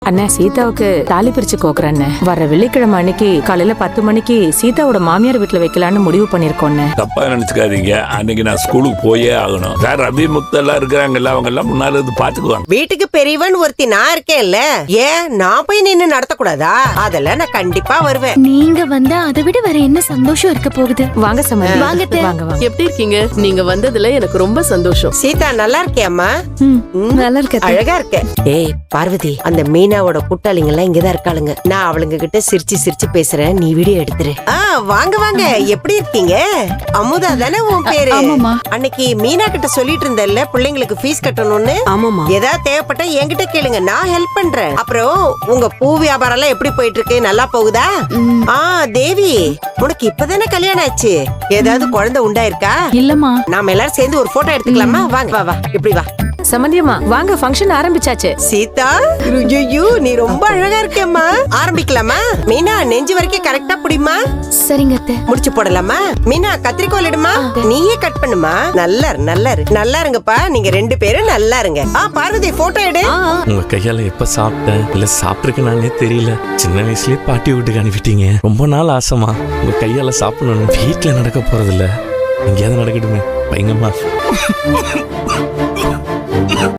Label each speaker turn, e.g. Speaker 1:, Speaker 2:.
Speaker 1: அண்ணா சீதாவுக்கு தாலி பிரிச்சு கோக்குறேன். வர வெள்ளிக்கிழமை அன்னைக்கு காலையில 10 மணிக்கு சீதாவோட மாமியார் வீட்டுல வைக்கலான்னு முடிவு பண்ணிருக்கோம்.
Speaker 2: தப்பா நினைச்சுக்காதீங்க, அன்னைக்கு நான் ஸ்கூலுக்கு போயே ஆகணும். சார் அபிமுக்தெல்லாம் இருக்கிறாங்கல்ல, அவங்க எல்லாம் முன்னால இருந்து பாத்துக்குவாங்க.
Speaker 3: வீட்டுக்கு பெரியவன் ஒருத்தி நான் இருக்கேன்ல, ஏன் நான் போய் நின்னு நடத்தக்கூடாதா? அதெல்லாம் நான் கண்டிப்பா வருவேன்.
Speaker 4: நீங்க வந்தா அதை விட வேற என்ன சந்தோஷம் இருக்க போகுது?
Speaker 1: வாங்க சமந்தி,
Speaker 4: வாங்க அத்தை.
Speaker 1: வாங்க வாங்க.
Speaker 5: எப்படி இருக்கீங்க? நீங்க வந்ததுல எனக்கு ரொம்ப சந்தோஷம்.
Speaker 3: சீதா நல்லா இருக்கியாம்மா?
Speaker 4: நல்லா இருக்க.
Speaker 3: அழகா இருக்க. ஏய் பார்வதி, அந்த மீனாவோட கூட்டாளிங்க எல்லாம் இங்கதான் இருக்காளுங்க. நான் அவளுங்க கிட்ட சிரிச்சு சிரிச்சு பேசுறேன், நீ வீடியோ எடுத்துரு. வாங்க வாங்க, எப்படி இருக்கீங்க? அமுதா தானே உன் பேரு?
Speaker 4: ஆமாமா.
Speaker 3: அன்னைக்கு மீனா கிட்ட சொல்லிட்டு இருந்தல்ல பிள்ளைங்களுக்கு ஃபீஸ் கட்டணும்னு.
Speaker 4: ஆமாமா.
Speaker 3: ஏதாவது தேவைப்பட்டா என்கிட்ட கேளுங்க, நான் ஹெல்ப் பண்றேன். அப்புறம் உங்க பூ வியாபாரம் எல்லாம் எப்படி போயிட்டு இருக்கு? நல்லா போகுதா? தேவி, உனக்கு இப்பதானே கல்யாணம் ஆச்சு, ஏதாவது குழந்தை உண்டாயிருக்கா?
Speaker 4: இல்லம்மா.
Speaker 3: நாம எல்லாரும் சேர்ந்து ஒரு போட்டோ எடுத்துக்கலாமா? வாங்க, வா வா, இப்படி வா.
Speaker 1: சமந்தியம்மா வாங்க, ஃபங்க்ஷன் ஆரம்பிச்சாச்சு.
Speaker 3: சீதா, ஐயோ நீ ரொம்ப அழகா இருக்கேம்மா. ஆரம்பிக்கலாமா? மீனா நெஞ்சு வரைக்கும் கரெக்டா புடிமா.
Speaker 4: சரிங்க அத்தை.
Speaker 3: முடிச்சு போடலாமா? மீனா கத்திரிக்கோல் எடுமா, நீயே கட் பண்ணுமா. நல்லா நல்லா இருங்கப்பா, நீங்க 2 பேரும் நல்லா இருங்க. பார்வதி போட்டோ எடு.
Speaker 6: உங்க கையால எப்ப சாப்பிட்டேன் இல்ல சாப்பிட்டுருக்கு நானே தெரியல. சின்ன வயசுலயே பாட்டி வீட்டுக்கு அனுப்பிட்டீங்க. ரொம்ப நாள் ஆசைமா உங்க கையால சாப்பிடணும். வீட்டுல நடக்க போறது இல்ல, எங்கேயாவது நடக்கட்டுமே. பயங்கரமா